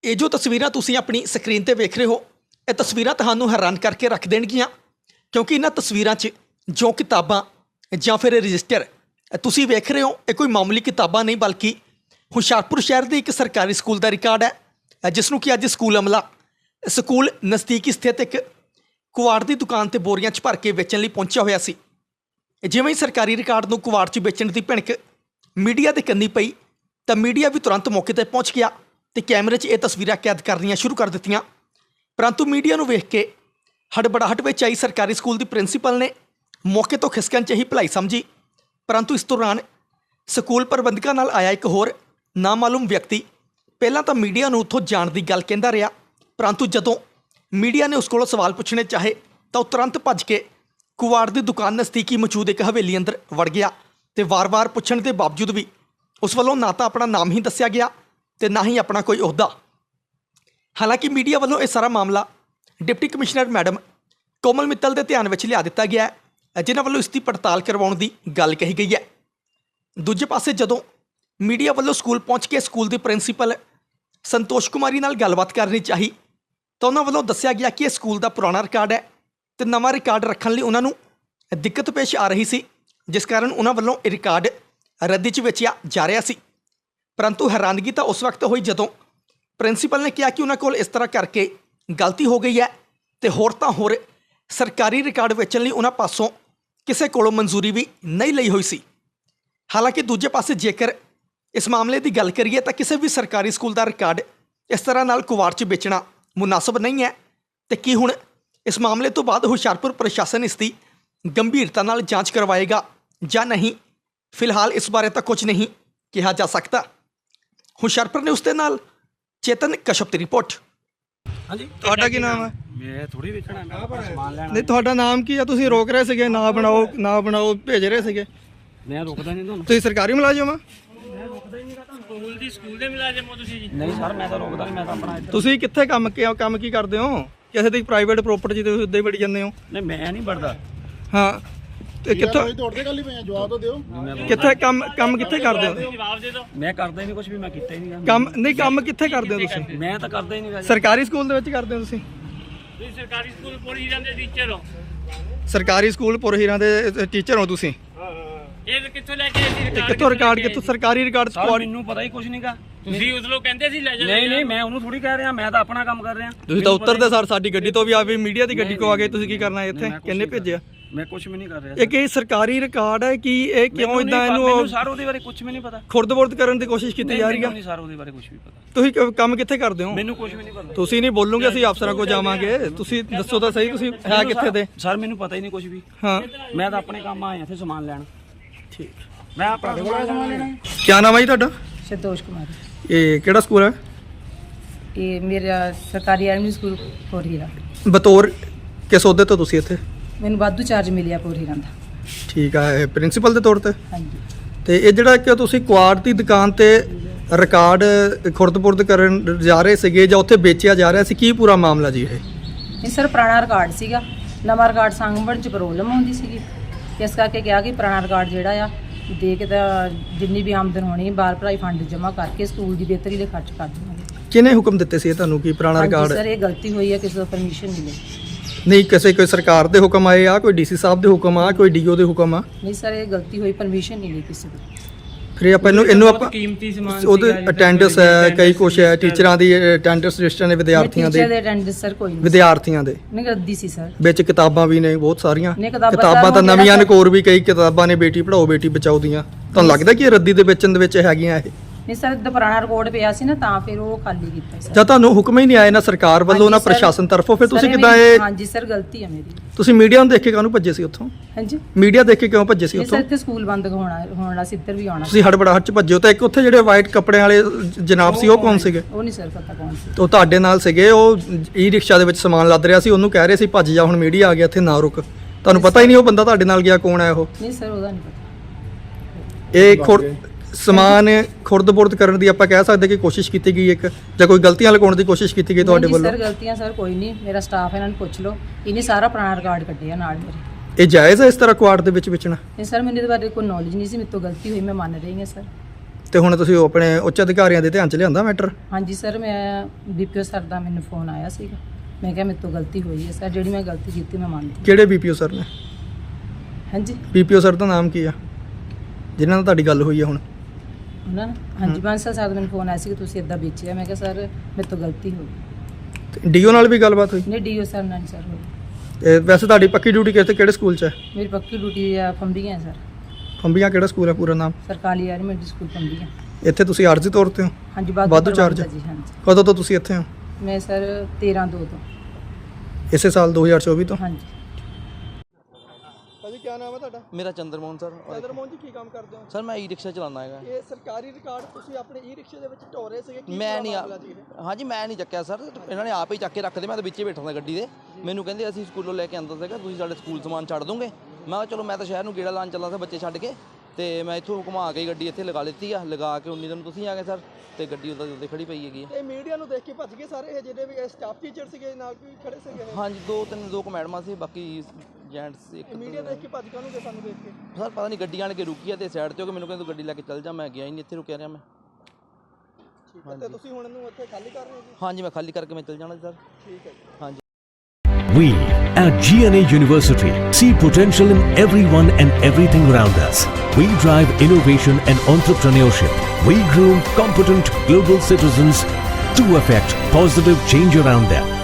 ਇਹ ਜੋ ਤਸਵੀਰਾਂ ਤੁਸੀਂ ਆਪਣੀ ਸਕਰੀਨ ਤੇ ਵੇਖ ਰਹੇ ਹੋ, ਇਹ ਤਸਵੀਰਾਂ ਤੁਹਾਨੂੰ ਹੈਰਾਨ ਕਰਕੇ ਰੱਖ ਦੇਣਗੀਆਂ, ਕਿਉਂਕਿ ਇਹਨਾਂ ਤਸਵੀਰਾਂ 'ਚ ਜੋ ਕਿਤਾਬਾਂ ਜਾਂ ਫਿਰ ਰਜਿਸਟਰ ਤੁਸੀਂ ਵੇਖ ਰਹੇ ਹੋ, ਇਹ ਕੋਈ ਮਾਮੂਲੀ ਕਿਤਾਬਾਂ ਨਹੀਂ, ਬਲਕਿ ਹੁਸ਼ਿਆਰਪੁਰ ਸ਼ਹਿਰ ਦੇ ਇੱਕ ਸਰਕਾਰੀ ਸਕੂਲ ਦਾ ਰਿਕਾਰਡ ਹੈ, ਜਿਸ ਨੂੰ ਕਿ ਅੱਜ ਸਕੂਲ ਅਮਲਾ ਸਕੂਲ ਨਜ਼ਦੀਕੀ ਸਥਿਤ ਇੱਕ ਕੁਆੜ ਦੀ ਦੁਕਾਨ ਤੇ ਬੋਰੀਆਂ 'ਚ ਭਰ ਕੇ ਵੇਚਣ ਲਈ ਪਹੁੰਚਿਆ ਹੋਇਆ ਸੀ। ਜਿਵੇਂ ਹੀ ਸਰਕਾਰੀ ਰਿਕਾਰਡ ਨੂੰ ਕੁਆੜ 'ਚ ਵੇਚਣ ਦੀ ਭਿਣਕ ਮੀਡੀਆ ਦੇ ਕੰਨੀ ਪਈ ਤਾਂ ਮੀਡੀਆ ਵੀ ਤੁਰੰਤ ਮੌਕੇ 'ਤੇ ਪਹੁੰਚ ਗਿਆ ਤੇ ਕੈਮਰੇ 'ਚ ਇਹ ਤਸਵੀਰਾਂ ਕੈਦ ਕਰਨੀਆਂ ਸ਼ੁਰੂ ਕਰ ਦਿੱਤੀਆਂ। ਪਰੰਤੂ ਮੀਡੀਆ ਨੂੰ ਵੇਖ ਕੇ ਹੜਬੜਾਹਟ ਵਿੱਚ ਆਈ ਸਰਕਾਰੀ ਸਕੂਲ ਦੀ ਪ੍ਰਿੰਸੀਪਲ ਨੇ ਮੌਕੇ ਤੋਂ ਖਿਸਕਣ 'ਚ ਹੀ ਭਲਾਈ ਸਮਝੀ, ਪਰੰਤੂ ਇਸ ਦੌਰਾਨ ਸਕੂਲ ਪ੍ਰਬੰਧਕਾਂ ਨਾਲ ਆਇਆ ਇੱਕ ਹੋਰ ਨਾਮਾਲੂਮ ਵਿਅਕਤੀ ਪਹਿਲਾਂ ਤਾਂ ਮੀਡੀਆ ਨੂੰ ਉੱਥੋਂ ਜਾਣ ਦੀ ਗੱਲ ਕਹਿੰਦਾ ਰਿਹਾ, ਪਰੰਤੂ ਜਦੋਂ ਮੀਡੀਆ ਨੇ ਉਸ ਕੋਲੋਂ ਸਵਾਲ ਪੁੱਛਣੇ ਚਾਹੇ ਤਾਂ ਉਹ ਤੁਰੰਤ ਭੱਜ ਕੇ ਕੁਆੜ ਦੀ ਦੁਕਾਨ ਨਜ਼ਦੀਕੀ ਮੌਜੂਦ ਇੱਕ ਹਵੇਲੀ ਅੰਦਰ ਵੜ ਗਿਆ ਤੇ ਵਾਰ-ਵਾਰ ਪੁੱਛਣ ਦੇ ਬਾਵਜੂਦ ਵੀ ਉਸ ਵੱਲੋਂ ਨਾ ਤਾਂ ਆਪਣਾ ਨਾਮ ਹੀ ਦੱਸਿਆ ਗਿਆ ਤੇ ਨਾ ਹੀ ਆਪਣਾ ਕੋਈ ਅਹੁਦਾ। ਹਾਲਾਂਕਿ ਮੀਡੀਆ ਵੱਲੋਂ ਇਹ ਸਾਰਾ ਮਾਮਲਾ deputy commissioner madam Komal Mittal ਦੇ ਧਿਆਨ ਵਿੱਚ ਲਿਆ ਦਿੱਤਾ ਗਿਆ ਹੈ, ਜਿਨ੍ਹਾਂ ਵੱਲੋਂ ਇਸ ਦੀ ਪੜਤਾਲ ਕਰਵਾਉਣ ਦੀ ਗੱਲ ਕਹੀ ਗਈ ਹੈ। ਦੂਜੇ ਪਾਸੇ ਜਦੋਂ ਮੀਡੀਆ ਵੱਲੋਂ ਸਕੂਲ ਪਹੁੰਚ ਕੇ ਸਕੂਲ ਦੀ ਪ੍ਰਿੰਸੀਪਲ ਸੰਤੋਸ਼ ਕੁਮਾਰੀ ਨਾਲ ਗੱਲਬਾਤ ਕਰਨੀ ਚਾਹੀ ਤਾਂ ਉਹਨਾਂ ਵੱਲੋਂ ਦੱਸਿਆ ਗਿਆ ਕਿ ਇਹ ਸਕੂਲ ਦਾ ਪੁਰਾਣਾ ਰਿਕਾਰਡ ਹੈ ਤੇ ਨਵਾਂ ਰਿਕਾਰਡ ਰੱਖਣ ਲਈ ਉਹਨਾਂ ਨੂੰ ਦਿੱਕਤ ਪੇਸ਼ ਆ ਰਹੀ ਸੀ, ਜਿਸ ਕਾਰਨ ਉਹਨਾਂ ਵੱਲੋਂ ਇਹ ਰਿਕਾਰਡ ਰੱਦੀ 'ਚ ਵੇਚਿਆ ਜਾ ਰਿਹਾ ਸੀ। ਪਰੰਤੂ ਹੈਰਾਨਗੀ ਤਾਂ ਉਸ ਵਕਤ ਹੋਈ ਜਦੋਂ ਪ੍ਰਿੰਸੀਪਲ ਨੇ ਕਿਹਾ ਕਿ ਉਹਨਾਂ ਕੋਲ ਇਸ ਤਰ੍ਹਾਂ ਕਰਕੇ ਗਲਤੀ ਹੋ ਗਈ ਹੈ ਤੇ ਹੋਰ ਤਾਂ ਹੋਰ ਸਰਕਾਰੀ ਰਿਕਾਰਡ ਵੇਚਣ ਲਈ ਉਹਨਾਂ ਪਾਸੋਂ ਕਿਸੇ ਕੋਲੋਂ ਮਨਜ਼ੂਰੀ ਵੀ ਨਹੀਂ ਲਈ ਹੋਈ ਸੀ। ਹਾਲਾਂਕਿ ਦੂਜੇ ਪਾਸੇ ਜੇਕਰ ਇਸ ਮਾਮਲੇ ਦੀ ਗੱਲ ਕਰੀਏ ਤਾਂ ਕਿਸੇ ਵੀ ਸਰਕਾਰੀ ਸਕੂਲ ਦਾ ਰਿਕਾਰਡ ਇਸ ਤਰ੍ਹਾਂ ਨਾਲ ਕੁਆੜ 'ਚ ਵੇਚਣਾ ਮੁਨਾਸਬ ਨਹੀਂ ਹੈ ਤੇ ਕੀ ਹੁਣ ਇਸ ਮਾਮਲੇ ਤੋਂ ਬਾਅਦ ਹੁਸ਼ਿਆਰਪੁਰ ਪ੍ਰਸ਼ਾਸਨ ਇਸ ਦੀ ਗੰਭੀਰਤਾ ਨਾਲ ਜਾਂਚ ਕਰਵਾਏਗਾ ਜਾਂ ਨਹੀਂ, ਫਿਲਹਾਲ ਇਸ ਬਾਰੇ ਤਾਂ ਕੁਝ ਨਹੀਂ ਕਿਹਾ ਜਾ ਸਕਦਾ। ਹੁਸ਼ਿਆਰਪੁਰ ਨੇ ਉਸ ਦੇ ਨਾਲ ਚੇਤਨ ਕਸ਼ਪ ਦੀ ਰਿਪੋਰਟ। ਹਾਂਜੀ, ਤੁਹਾਡਾ ਕੀ ਨਾਮ ਹੈ? ਮੈਂ ਥੋੜੀ ਵੇਚਣਾ, ਮੈਂ ਸਮਾਨ ਲੈਣਾ। ਨਹੀਂ, ਤੁਹਾਡਾ ਨਾਮ ਕੀ ਹੈ? ਤੁਸੀਂ ਰੋਕ ਰਹੇ ਸੀਗੇ, ਨਾ ਬਣਾਓ ਭੇਜ ਰਹੇ ਸੀਗੇ। ਮੈਂ ਰੁਕਦਾ ਨਹੀਂ ਤੁਹਾਨੂੰ। ਤੁਸੀਂ ਸਰਕਾਰੀ ਮੁਲਾਜ਼ਮ ਆ? ਮੈਂ ਰੁਕਦਾ ਹੀ ਨਹੀਂ, ਸਕੂਲ ਦੇ ਮੁਲਾਜ਼ਮ ਹੋ ਤੁਸੀਂ ਜੀ? ਨਹੀਂ ਸਰ, ਮੈਂ ਤਾਂ ਰੁਕਦਾ ਨਹੀਂ, ਮੈਂ ਤਾਂ ਆਪਣਾ ਤੁਸੀਂ ਕਿੱਥੇ ਕੰਮ ਕੀ ਕਰਦੇ ਹੋ? ਕਿਸੇ ਦੀ ਪ੍ਰਾਈਵੇਟ ਪ੍ਰੋਪਰਟੀ ਤੇ ਉੱਦਾਂ ਹੀ ਵੜੀ ਜਾਂਦੇ ਹੋ? ਨਹੀਂ, ਮੈਂ ਨਹੀਂ ਵੜਦਾ। ਹਾਂ, ਤੇ ਕਿੱਥੋਂ ਦੌੜਦੇ ਗੱਲ ਹੀ ਪਏ, ਜਵਾਬ ਤਾਂ ਦਿਓ। ਕਿੱਥੇ ਕੰਮ ਕਿੱਥੇ ਕਰਦੇ ਹੋ? ਜਵਾਬ ਦੇ ਦਿਓ। ਮੈਂ ਕਰਦਾ ਹੀ ਨਹੀਂ ਕੁਝ ਵੀ, ਮੈਂ ਕੀਤਾ ਹੀ ਨਹੀਂ ਕੰਮ ਕਿੱਥੇ ਕਰਦੇ ਹੋ ਤੁਸੀਂ? ਮੈਂ ਤਾਂ ਕਰਦਾ ਹੀ ਨਹੀਂ। ਸਰਕਾਰੀ ਸਕੂਲ ਦੇ ਵਿੱਚ ਕਰਦੇ ਹੋ ਤੁਸੀਂ? ਤੁਸੀਂ ਸਰਕਾਰੀ ਸਕੂਲ ਪੁਰ ਹੀਰਾਂ ਦੇ ਟੀਚਰ ਹੋ? ਸਰਕਾਰੀ ਸਕੂਲ ਪੁਰ ਹੀਰਾਂ ਦੇ ਟੀਚਰ ਹੋ ਤੁਸੀਂ? ਇਹ ਕਿੱਥੋਂ ਲੈ ਕੇ ਆਏ ਸੀ? ਕਿੱਥੋਂ ਰਿਕਾਰਡ, ਕਿੱਥੋਂ ਸਰਕਾਰੀ ਰਿਕਾਰਡ? ਮੈਨੂੰ ਪਤਾ ਹੀ ਕੁਝ ਨਹੀਂਗਾ। ਤੁਸੀਂ ਉਸ ਲੋਕ ਕਹਿੰਦੇ ਸੀ ਲੈ ਜਾ। ਨਹੀਂ, ਮੈਂ ਉਹਨੂੰ ਥੋੜੀ ਕਹਿ ਰਿਹਾ, ਮੈਂ ਤਾਂ ਆਪਣਾ ਕੰਮ ਕਰ ਰਿਹਾ। ਤੁਸੀਂ ਤਾਂ ਉੱਤਰਦੇ ਸਰ ਸਾਡੀ ਗੱਡੀ ਤੋਂ ਵੀ ਆ ਵੀ ਮੀਡੀਆ ਦੀ ਗੱਡੀ ਕੋ ਆ ਗਏ, ਤੁਸੀਂ ਕੀ ਕਰਨਾ ਇੱਥੇ? ਕਿੰਨੇ ਭੇਜਿਆ? ਮੈਂ ਕੁਝ ਵੀ ਨਹੀਂ ਕਰ ਰਿਹਾ। ਇਹ ਕੀ ਸਰਕਾਰੀ ਰਿਕਾਰਡ ਹੈ ਕਿ ਇਹ ਕਿਉਂ ਇਦਾਂ ਇਹਨੂੰ ਸਰ ਉਹਦੇ ਬਾਰੇ ਕੁਝ ਵੀ ਨਹੀਂ ਪਤਾ। ਖੁਰਦ-ਬੁਰਦ ਕਰਨ ਦੀ ਕੋਸ਼ਿਸ਼ ਕੀਤੀ ਜਾ ਰਹੀ ਹੈ? ਨਹੀਂ ਸਰ, ਉਹਦੇ ਬਾਰੇ ਕੁਝ ਵੀ ਪਤਾ। ਤੁਸੀਂ ਕੰਮ ਕਿੱਥੇ ਕਰਦੇ ਹੋ? ਮੈਨੂੰ ਕੁਝ ਵੀ ਨਹੀਂ ਪਤਾ। ਤੁਸੀਂ ਨਹੀਂ ਬੋਲੋਗੇ, ਅਸੀਂ ਅਫਸਰਾਂ ਕੋਲ ਜਾਵਾਂਗੇ। ਤੁਸੀਂ ਦੱਸੋ ਤਾਂ ਸਹੀ, ਤੁਸੀਂ ਹੈ ਕਿੱਥੇ ਦੇ? ਸਰ ਮੈਨੂੰ ਪਤਾ ਹੀ ਨਹੀਂ ਕੁਝ ਵੀ। ਹਾਂ, ਮੈਂ ਤਾਂ ਆਪਣੇ ਕੰਮ ਆਇਆ ਇੱਥੇ ਸਮਾਨ ਲੈਣ। ਠੀਕ। ਮੈਂ ਆਪਣਾ ਸਮਾਨ ਲੈਣਾ। ਕੀ ਨਾਮ ਹੈ ਜੀ ਤੁਹਾਡਾ? संतोष कुमार। ਇਹ ਕਿਹੜਾ ਸਕੂਲ ਹੈ? ये मेरा सरकारी आर्मी स्कूल पोर हीरा। ਬਤੌਰ ਕਿਸ ਅਹੁਦੇ ਤੋਂ ਤੁਸੀਂ ਇੱਥੇ? मैंने वाधू चार्ज मिलिया पोर हीरा का। ਠੀਕ ਹੈ, ਪ੍ਰਿੰਸੀਪਲ ਦੇ ਤੌਰ ਤੇ? हाँ जी। ਤੇ ਇਹ ਜਿਹੜਾ ਕਿ ਤੁਸੀਂ ਕੁਆੜ ਦੀ ਦੁਕਾਨ ਤੇ ਰਿਕਾਰਡ ਖੁਰਦ-ਬੁਰਦ ਕਰਨ ਜਾ ਰਹੇ ਸੀਗੇ ਜਾਂ ਉੱਥੇ ਵੇਚਿਆ ਜਾ ਰਿਹਾ ਸੀ, ਕੀ ਪੂਰਾ ਮਾਮਲਾ ਜੀ ਇਹ? ਇਹ ਸਰ ਪੁਰਾਣਾ ਰਿਕਾਰਡ ਸੀਗਾ, ਨਵਾਂ ਰਿਕਾਰਡ ਸੰਭਣ 'ਚ ਪ੍ਰੋਬਲਮ ਆਉਂਦੀ ਸੀਗੀ, ਇਸ ਕਰਕੇ ਕਿਹਾ ਕਿ ਪੁਰਾਣਾ ਰਿਕਾਰਡ ਜਿਹੜਾ ਆ ਦੇ ਕੇ ਤਾਂ ਜਿੰਨੀ ਵੀ ਆਮਦਨ ਹੋਣੀ ਬਾਲ ਭਲਾਈ ਫੰਡ ਜਮ੍ਹਾਂ ਕਰਕੇ ਸਕੂਲ ਦੀ ਬਿਹਤਰੀ ਲਈ ਖਰਚ ਕਰ ਦੇਵਾਂਗੇ। ਕਿਹਨੇ ਹੁਕਮ ਦਿੱਤੇ ਸੀ ਇਹ ਤੁਹਾਨੂੰ ਕਿ ਪੁਰਾਣਾ ਰਿਕਾਰਡ? ਸਰ ਇਹ ਗਲਤੀ ਹੋਈ ਹੈ, ਕਿਸੇ ਤੋਂ ਪਰਮਿਸ਼ਨ ਮਿਲੇ ਨਹੀਂ, ਕੋਈ ਸਰਕਾਰ ਦੇ ਹੁਕਮ ਆਏ ਆ, ਕੋਈ ਡੀਸੀ ਸਾਹਿਬ ਦੇ ਹੁਕਮ ਆ, ਕੋਈ ਡੀਓ ਦੇ ਹੁਕਮ ਆ? ਨਹੀਂ ਸਰ, ਇਹ ਗਲਤੀ ਹੋਈ, ਪਰਮਿਸ਼ਨ ਨਹੀਂ ਲਈ ਕਿਸੇ ਤੋਂ। ਫਿਰ ਆਪਾਂ ਇਹਨੂੰ ਆਪਾਂ ਕੀਮਤੀ ਸਮਾਨ ਉਹਦੇ ਅਟੈਂਡੈਂਸ ਹੈ, ਕਈ ਕੁਛ ਹੈ, ਟੀਚਰਾਂ ਦੀ ਅਟੈਂਡੈਂਸ ਰਜਿਸਟਰ ਨੇ, ਵਿਦਿਆਰਥੀਆਂ ਟੀਚਰ ਦੇ ਦੇ ਅਟੈਂਡੈਂਸ ਸਰ ਕੋਈ ਨਹੀਂ, ਵਿਦਿਆਰਥੀਆਂ ਦੇ ਨਹੀਂ ਰੱਦੀ ਸੀ ਸਰ। ਵਿੱਚ ਕਿਤਾਬਾਂ ਵੀ ਨੇ ਬਹੁਤ ਸਾਰੀਆਂ। ਨਹੀਂ, ਕਿਤਾਬਾਂ ਕਿਤਾਬਾਂ ਤਾਂ ਜਿਹੜਾ ਨਵੀਆਂ ਨਕੋਰ ਵੀ ਕਈ ਕਿਤਾਬਾਂ ਨੇ, ਬੇਟੀ ਪੜਾਓ ਬੇਟੀ ਬਚਾਓ ਦੀਆਂ। ਤੁਹਾਨੂੰ ਲੱਗਦਾ ਕਿ ਇਹ ਰੱਦੀ ਦੇ ਵੇਚਣ ਦੇ ਵਿੱਚ ਹੈਗੀਆਂ ਇਹ? ਨਹੀਂ ਸਰ, ਦਾ ਪੁਰਾਣਾ ਰਿਕਾਰਡ ਪਿਆ ਸੀ ਨਾ, ਤਾਂ ਫਿਰ ਉਹ ਖਾਲੀ ਕੀਤਾ ਸਰ। ਜਾਂ ਤੁਹਾਨੂੰ ਹੁਕਮ ਹੀ ਨਹੀਂ ਆਏ ਨਾ ਸਰਕਾਰ ਵੱਲੋਂ ਨਾ ਹਾਂਜੀ ਸਰ। ਪ੍ਰਸ਼ਾਸਨ ਤਰਫੋਂ, ਫਿਰ ਤੁਸੀਂ ਸਰ, ਕਿੱਦਾਂ ਇਹ? ਹਾਂਜੀ ਸਰ, ਗਲਤੀ ਹੈ ਮੇਰੀ। ਤੁਸੀਂ ਮੀਡੀਆ ਨੂੰ ਦੇਖ ਕੇ ਕਾਹਨੂੰ ਭੱਜੇ ਸੀ ਉੱਥੋਂ? ਹਾਂਜੀ, ਮੀਡੀਆ ਦੇਖ ਕੇ ਕਿਉਂ ਭੱਜੇ ਸੀ ਨਹੀਂ ਸਰ, ਉੱਥੋਂ? ਇੱਥੇ ਸਕੂਲ ਬੰਦ ਹੋਣਾ ਸੀ, ਇੱਧਰ ਵੀ ਆਉਣਾ ਸੀ। ਤੁਸੀਂ ਹੜਬੜਾਹਟ ਚ ਭੱਜੇ ਹੋ ਤਾਂ ਇੱਕ ਉੱਥੇ ਜਿਹੜੇ ਵਾਈਟ ਕੱਪੜਿਆਂ ਵਾਲੇ ਜਨਾਬ ਸੀ, ਉਹ ਕੌਣ ਸੀਗੇ? ਉਹ ਨਹੀਂ ਸਰ ਪਤਾ ਕੌਣ ਸੀ। ਉਹ ਤੁਹਾਡੇ ਨਾਲ ਸੀਗੇ, ਉਹ ਈ ਰਿਕਸ਼ਾ ਦੇ ਵਿੱਚ ਸਮਾਨ ਲੱਦ ਰਿਹਾ ਸੀ, ਉਹਨੂੰ ਕਹਿ ਰਹੇ ਸੀ ਭੱਜ ਜਾ, ਹੁਣ ਮੀਡੀਆ ਆ ਗਿਆ ਇੱਥੇ, ਨਾ ਰੁਕ। ਤੁਹਾਨੂੰ ਪਤਾ ਹੀ ਨਹੀਂ ਉਹ ਬੰਦਾ ਤੁਹਾਡੇ ਨਾਲ ਗਿਆ ਕੌਣ ਹੈ ਉਹ? ਨਹੀਂ ਸਰ, ਉਹਦਾ ਨਹੀਂ ਪਤਾ। ਇਹ ਸਮਾਨ ਖੁਰਦ-ਬੁਰਦ ਕਰਨ ਦੀ ਆਪਾਂ ਕਹਿ ਸਕਦੇ ਕਿ ਕੋਸ਼ਿਸ਼ ਕੀਤੀ ਗਈ ਇੱਕ, ਜਾਂ ਕੋਈ ਗਲਤੀਆਂ ਲਗਾਉਣ ਦੀ ਕੋਸ਼ਿਸ਼ ਕੀਤੀ ਗਈ ਤੁਹਾਡੇ ਵੱਲੋਂ? ਸਰ ਗਲਤੀਆਂ ਸਰ ਕੋਈ ਨਹੀਂ, ਮੇਰਾ ਸਟਾਫ ਇਹਨਾਂ ਨੂੰ ਪੁੱਛ ਲਓ, ਇਹਨੇ ਸਾਰਾ ਪੁਰਾਣਾ ਰਿਕਾਰਡ ਕੱਢਿਆ ਨਾਲ ਮੇਰੇ। ਇਹ ਜਾਇਜ਼ ਹੈ ਇਸ ਤਰ੍ਹਾਂ ਕੁਆੜ ਦੇ ਵਿੱਚ ਵੇਚਣਾ? ਨਹੀਂ ਸਰ, ਮੈਨੂੰ ਇਹਦੇ ਬਾਰੇ ਕੋਈ ਨੌਲੇਜ ਨਹੀਂ ਸੀ, ਮੇਰੇ ਤੋਂ ਗਲਤੀ ਹੋਈ, ਮੈਂ ਮੰਨ ਰਹੀ ਹਾਂ ਸਰ। ਤੇ ਹੁਣ ਤੁਸੀਂ ਉਹ ਆਪਣੇ ਉੱਚ ਅਧਿਕਾਰੀਆਂ ਦੇ ਧਿਆਨ 'ਚ ਲਿਆਂਦਾ ਮੈਟਰ? ਹਾਂਜੀ ਸਰ, ਮੈਂ ਬੀਪੀਓ ਸਰ ਦਾ ਮੈਨੂੰ ਫੋਨ ਆਇਆ ਸੀਗਾ। ਮੈਂ ਕਿਹਾ ਮੇਰੇ ਤੋਂ ਗਲਤੀ ਹੋਈ ਹੈ ਸਰ, ਜਿਹੜੀ ਮੈਂ ਗਲਤੀ ਕੀਤੀ ਮੈਂ ਮੰਨਦੀ। ਕਿਹੜੇ ਬੀਪੀਓ ਸਰ ਨੇ? ਹਾਂਜੀ, ਬੀਪੀਓ ਸਰ ਦਾ ਨਾਮ ਕੀ ਆ ਜਿਨ੍ਹਾਂ ਨਾਲ ਤੁਹਾਡੀ ਗੱਲ ਹੋਈ ਹੈ ਹੁਣ? ਉਹਨਾਂ ਨੇ ਹਾਂਜੀ ਬਾਂਸਲ ਸਰ ਦਾ ਮੈਨੂੰ ਫੋਨ ਆਇਆ ਸੀ ਕਿ ਤੁਸੀਂ ਇਦਾਂ ਵੇਚਿਆ। ਮੈਂ ਕਿਹਾ ਸਰ ਮੇਰੇ ਤੋਂ ਗਲਤੀ ਹੋ ਗਈ। ਡੀਓ ਨਾਲ ਵੀ ਗੱਲਬਾਤ ਹੋਈ? ਨਹੀਂ, ਡੀਓ ਸਰ ਨਾਲ ਨਹੀਂ ਸਰ ਹੋਈ। ਤੇ ਵੈਸੇ ਤੁਹਾਡੀ ਪੱਕੀ ਡਿਊਟੀ ਕਿਹੜੇ ਸਕੂਲ 'ਚ ਹੈ? ਮੇਰੀ ਪੱਕੀ ਡਿਊਟੀ ਆ ਫੰਬੀਆਂ ਸਰ। ਫੰਬੀਆਂ ਕਿਹੜਾ ਸਕੂਲ ਹੈ ਪੂਰਾ ਨਾਮ? ਸਰਕਾਰੀ ਐਲੀਮੈਂਟਰੀ ਸਕੂਲ ਫੰਬੀਆਂ। ਇੱਥੇ ਤੁਸੀਂ ਆਰਜ਼ੀ ਤੌਰ ਤੇ ਹੋ? ਹਾਂਜੀ, ਵਾਧੂ ਪ੍ਰਬੰਧ ਚਾਰਜ? ਆ ਜੀ, ਹਾਂਜੀ। ਕਦੋਂ ਤੋਂ ਤੁਸੀਂ ਇੱਥੇ ਹੋ? ਮੈਂ ਸਰ 13/2 ਤੋਂ। ਇਸੇ ਸਾਲ 2024 ਤੋਂ? ਹਾਂਜੀ। ਭਾਜੀ ਕੀ ਨਾਮ ਹੈ ਤੁਹਾਡਾ? ਮੇਰਾ ਚੰਦਰਮੋਹਨ ਸਰ। ਚੰਦਰਮੋਹਨ ਜੀ, ਕੀ ਕੰਮ ਕਰਦੇ ਹੋ? ਸਰ ਮੈਂ ਈ ਰਿਕਸ਼ਾ ਚਲਾਉਂਦਾ ਹੈਗਾ। ਇਹ ਸਰਕਾਰੀ ਰਿਕਾਰਡ ਤੁਸੀਂ ਆਪਣੇ ਈ ਰਿਕਸ਼ੇ ਦੇ ਵਿੱਚ ਢੋ ਰਹੇ ਸੀਗੇ, ਕੀ ਮੈਂ ਨਹੀਂ ਮਾਮਲਾ ਜੀ ਇਹ? ਹਾਂਜੀ ਮੈਂ ਨਹੀਂ ਚੱਕਿਆ ਸਰ, ਇਹਨਾਂ ਨੇ ਆਪ ਹੀ ਚੱਕ ਕੇ ਰੱਖਦੇ। ਮੈਂ ਤਾਂ ਵਿੱਚੇ ਬੈਠਾ ਸੀ ਗੱਡੀ ਦੇ। ਮੈਨੂੰ ਕਹਿੰਦੇ ਅਸੀਂ ਸਕੂਲੋਂ ਲੈ ਕੇ ਆਂਦਾ ਸੀਗਾ, ਤੁਸੀਂ ਸਾਡੇ ਸਕੂਲ ਸਮਾਨ ਛੱਡ ਦੋਗੇ? ਮੈਂ ਕਿਹਾ ਚਲੋ, ਮੈਂ ਤਾਂ ਸ਼ਹਿਰ ਨੂੰ ਗੇੜਾ ਲਾਉਣ ਚੱਲਾ ਸੀ ਬੱਚੇ ਛੱਡ ਕੇ, ਤੇ ਮੈਂ ਇੱਥੋਂ ਘੁਮਾ ਕੇ ਗੱਡੀ ਇੱਥੇ ਲਗਾ ਲਿੱਤੀ ਆ। ਲਗਾ ਕੇ 19 ਦਿਨ ਤੁਸੀਂ ਆ ਗਏ ਸਰ, ਤੇ ਗੱਡੀ ਉੱਤੇ ਖੜੀ ਪਈ ਹੈਗੀ। ਇਹ ਮੀਡੀਆ ਨੂੰ ਦੇਖ ਕੇ ਭੱਜ ਗਏ ਸਾਰੇ, ਇਹ ਜਿਹੜੇ ਵੀ ਸਟਾਫ ਟੀਚਰ ਸੀਗੇ ਨਾਲ ਵੀ ਖੜੇ ਸੀਗੇ ਇਹ? ਹਾਂਜੀ, ਦੋ ਕੁ ਮੈਡਮਾਂ ਸੀ, ਬਾਕੀ ਜੈਂਟਸ ਇੱਕ। ਮੀਡੀਆ ਦੇਖ ਕੇ ਭੱਜ ਕਾਹਨੂੰ ਗਏ ਸਾਨੂੰ ਦੇਖ ਕੇ? ਸਰ ਪਤਾ ਨਹੀਂ, ਗੱਡੀ ਆਣ ਕੇ ਰੁਕੀ ਆ ਤੇ ਸਾਈਡ ਤੇ ਹੋ ਕੇ ਮੈਨੂੰ ਕਹਿੰਦੇ ਤੂੰ ਗੱਡੀ ਲੈ ਕੇ ਚੱਲ ਜਾ। ਮੈਂ ਗਿਆ ਹੀ ਨਹੀਂ, ਇੱਥੇ ਰੁਕਿਆ ਰਿਹਾ ਮੈਂ। ਠੀਕ ਹੈ, ਤੇ ਤੁਸੀਂ ਹੁਣ ਇਹਨੂੰ ਉੱਥੇ ਖਾਲੀ ਕਰ ਰਹੇ ਹੋ ਜੀ? ਹਾਂਜੀ, ਮੈਂ ਖਾਲੀ ਕਰਕੇ ਮੈਂ ਚੱਲ ਜਾਣਾ ਸਰ। ਠੀਕ ਹੈ ਜੀ। ਹਾਂਜੀ। We at GNA University see potential in everyone and everything around us. We drive innovation and entrepreneurship. We groom competent global citizens to affect positive change around them.